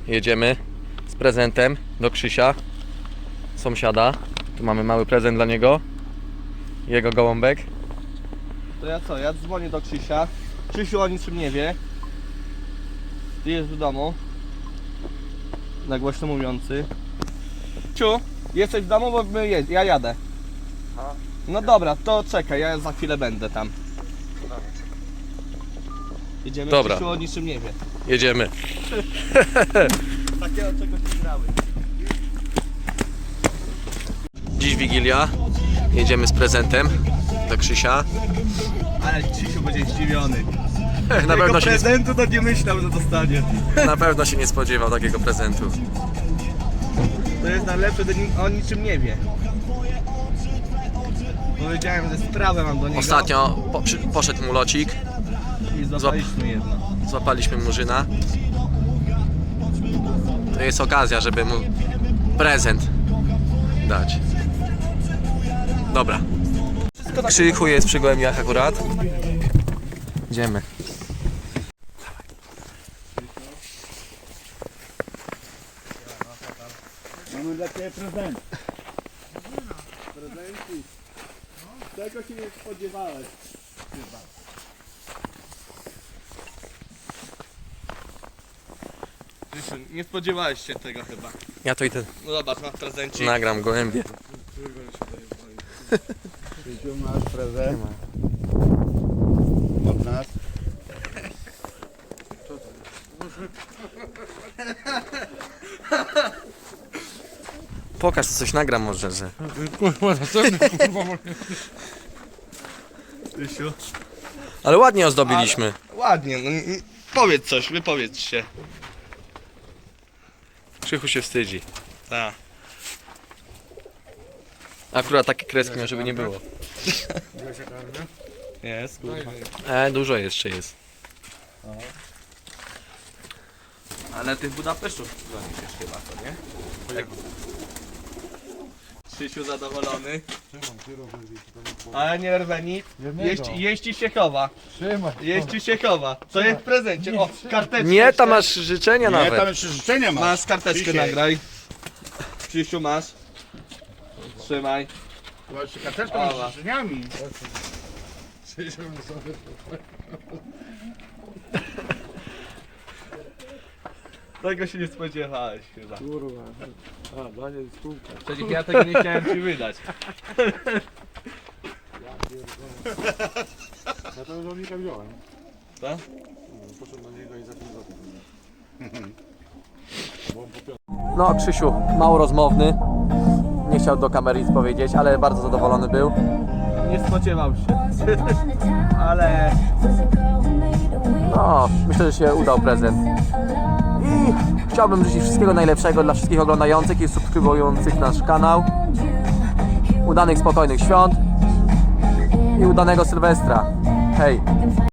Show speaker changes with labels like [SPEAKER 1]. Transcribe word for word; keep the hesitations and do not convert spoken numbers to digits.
[SPEAKER 1] jedziemy z prezentem do Krzysia, sąsiada. Tu mamy mały prezent dla niego. Jego gołąbek.
[SPEAKER 2] To ja co? Ja dzwonię do Krzysia. Krzysiu o niczym nie wie. Ty jest w domu. Na głośno mówiący. Ciu, jesteś w domu, bo my jed ja jadę. No dobra, to czekaj, ja za chwilę będę tam. Jedziemy,
[SPEAKER 1] Dobra.
[SPEAKER 2] Krzysiu o niczym nie wie.
[SPEAKER 1] Jedziemy.
[SPEAKER 2] Takiego czegoś nie grały.
[SPEAKER 1] Dziś Wigilia. Jedziemy z prezentem do Krzysia.
[SPEAKER 2] Ale Krzysiu będzie zdziwiony.
[SPEAKER 1] Na pewno, się nie,
[SPEAKER 2] prezentu to nie myślał, że dostanie.
[SPEAKER 1] na pewno się nie spodziewał takiego prezentu.
[SPEAKER 2] To jest najlepsze, że ni- on niczym nie wie. Powiedziałem, że sprawę mam do niego.
[SPEAKER 1] Ostatnio po, przy, poszedł mu locik.
[SPEAKER 2] I złapaliśmy jedno.
[SPEAKER 1] Złapaliśmy murzyna. To jest okazja, żeby mu prezent dać. Dobra. Krzychu jest przy gołębiach akurat. Idziemy.
[SPEAKER 3] Mamy dla Ciebie prezent. Prezenty. Tego się nie spodziewałeś. Chyba.
[SPEAKER 2] Krzysiu, nie spodziewałeś się tego chyba.
[SPEAKER 1] Ja to idę.
[SPEAKER 2] No zobacz, masz prezencik.
[SPEAKER 1] Nagram gołębie.
[SPEAKER 3] Krzysiu, masz prezent. Od nas.
[SPEAKER 1] Pokaż, co coś nagram może, że.
[SPEAKER 3] Kurwa, następny kurwa.
[SPEAKER 2] Krzysiu.
[SPEAKER 1] Ale ładnie ozdobiliśmy.
[SPEAKER 2] Ładnie, no n- n- powiedz coś, wypowiedz się.
[SPEAKER 1] Krzychu się wstydzi.
[SPEAKER 2] Tak.
[SPEAKER 1] Akurat takie kreski miał, żeby nie było.
[SPEAKER 2] Jest, kurwa.
[SPEAKER 1] E, dużo jeszcze jest.
[SPEAKER 2] Ale tych Budapesztów zaniesiesz chyba, to nie? Tak. Krzysiu zadowolony. Ale nie rwę nic. Jeści, jeści się chowa.
[SPEAKER 3] Trzymaj.
[SPEAKER 2] Jeści się chowa. Co jest w prezencie? O, karteczkę.
[SPEAKER 1] Nie, tam
[SPEAKER 2] jeszcze.
[SPEAKER 1] masz życzenia
[SPEAKER 3] Nie, tam
[SPEAKER 1] nawet.
[SPEAKER 3] jeszcze życzenia masz.
[SPEAKER 2] Masz karteczkę,
[SPEAKER 3] Krzysiek.
[SPEAKER 2] nagraj. Krzysiu, masz. Trzymaj.
[SPEAKER 3] Masz jeszcze karteczkę
[SPEAKER 2] Oła.
[SPEAKER 3] z życzeniami. Krzysiu, sobie.
[SPEAKER 2] Tego się nie spodziewałeś chyba.
[SPEAKER 3] Kurwa. A, dla niej spółka.
[SPEAKER 2] Przecież ja tego nie chciałem ci wydać.
[SPEAKER 3] Ja to już od Nika wziąłem.
[SPEAKER 2] Co?
[SPEAKER 3] Poszedłem do niego i za tym złotym.
[SPEAKER 1] No, Krzysiu, mało rozmowny. Nie chciał do kamery nic powiedzieć, ale bardzo zadowolony był.
[SPEAKER 2] Nie spodziewał się. Ale
[SPEAKER 1] No, myślę, że się udał prezent. I chciałbym życzyć wszystkiego najlepszego dla wszystkich oglądających i subskrybujących nasz kanał. Udanych, spokojnych świąt i udanego Sylwestra. Hej!